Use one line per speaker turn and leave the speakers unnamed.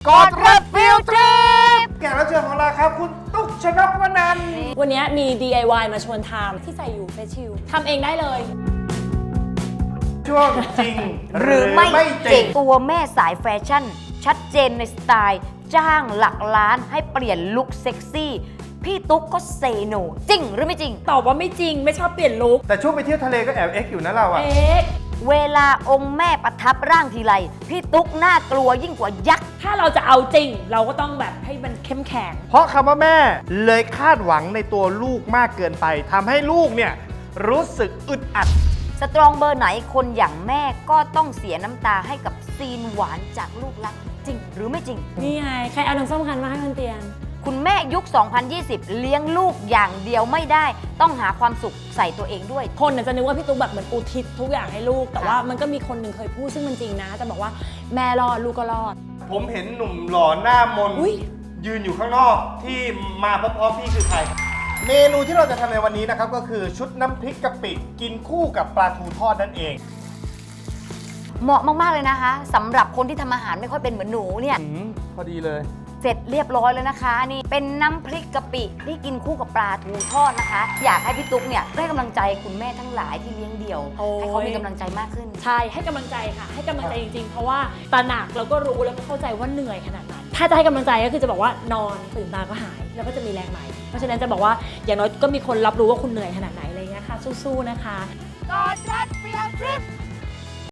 กดรถฟิลทริป
แขกรับเชิญของเราครับคุณตุ๊กชนกวนันท์
วันนี้มี DIY มาชวนทำที่ใส่อยู่เฟซชิลทำเองได้เลย
ช่วงจริง
หรือไม่จริงตัวแม่สายแฟชั่น ชัดเจนในสไตล์ จ้างหลักล้านให้เปลี่ยนลุคเซ็กซี่ พี่ตุ๊กก็เซโนจริงหรือไม่จริง
ตอบว่าไม่จริงไม่ชอบเปลี่ยนลุค
แต่ช่วงไปเที่ยวทะเลก็แอบเอ็กอยู่นะเราอะ
เอ๊ะ
เวลาองค์แม่ประทับร่างทีไร พี่ตุ๊กน่ากลัวยิ่งกว่ายักษ์
ถ้าเราจะเอาจริง เราก็ต้องแบบให้มันเข้มแข็ง
เพราะคำว่าแม่เลยคาดหวังในตัวลูกมากเกินไปทำให้ลูกเนี่ยรู้สึกอึดอัด
สตรองเบอร์ไหนคนอย่างแม่ก็ต้องเสียน้ำตาให้กับซีนหวานจากลูกรักจริงหรือไม่จริง
นี่ไง ใครเอาน้ำส้มคั้นมาให้บนเตียง
คุณแม่ยุค 2020 เลี้ยงลูกอย่างเดียวไม่ได้ ต้องหาความสุขใส่ตัวเองด้วย
คนน่ะจะนึกว่าพี่ตุ๊กแบบเหมือนอุทิศทุกอย่างให้ลูก แต่ว่ามันก็มีคนหนึ่งเคยพูดซึ่งมันจริงนะ จะบอกว่าแม่รอดลูกก็รอด
ผมเห็นหนุ่มหล่อหน้ามน
อุ๊ย
ยืนอยู่ข้างนอกที่มาพร้อมๆพี่คือใคร เมนูที่เราจะทำในวันนี้นะครับก็คือชุดน้ำพริกกะปิกินคู่กับปลาทูทอดนั่นเอง
เหมาะมาก ๆ เลยนะคะสำหรับคนที่ทำอาหารไม่ค่อยเป็นเหมือนหนูเนี่ย
พอดีเลย
เสร็จเรียบร้อยแล้วนะคะ นี่เป็นน้ำพริกกะปิที่กินคู่กับปลาทูทอดนะคะ อยากให้พี่ตุ๊กเนี่ยได้กำลังใจคุณแม่ทั้งหลายที่เลี้ยงเดี่ยว
โอ้ย
ให้เขามีกำลังใจมากขึ้น
ใช่ให้กำลังใจค่ะ ให้กำลังใจจริงๆ เพราะว่าตระหนักแล้วก็รู้แล้วก็เข้าใจว่าเหนื่อยขนาดไหนถ้าจะให้กำลังใจก็คือจะบอกว่านอนตื่นมาก็หาย แล้วก็จะมีแรงใหม่ เพราะฉะนั้นจะบอกว่าอย่างน้อยก็มีคนรับรู้ว่าคุณเหนื่อยขนาดไหนอะไรเงี้ยค่ะสู้ๆนะคะ
กดรถฟิลทริป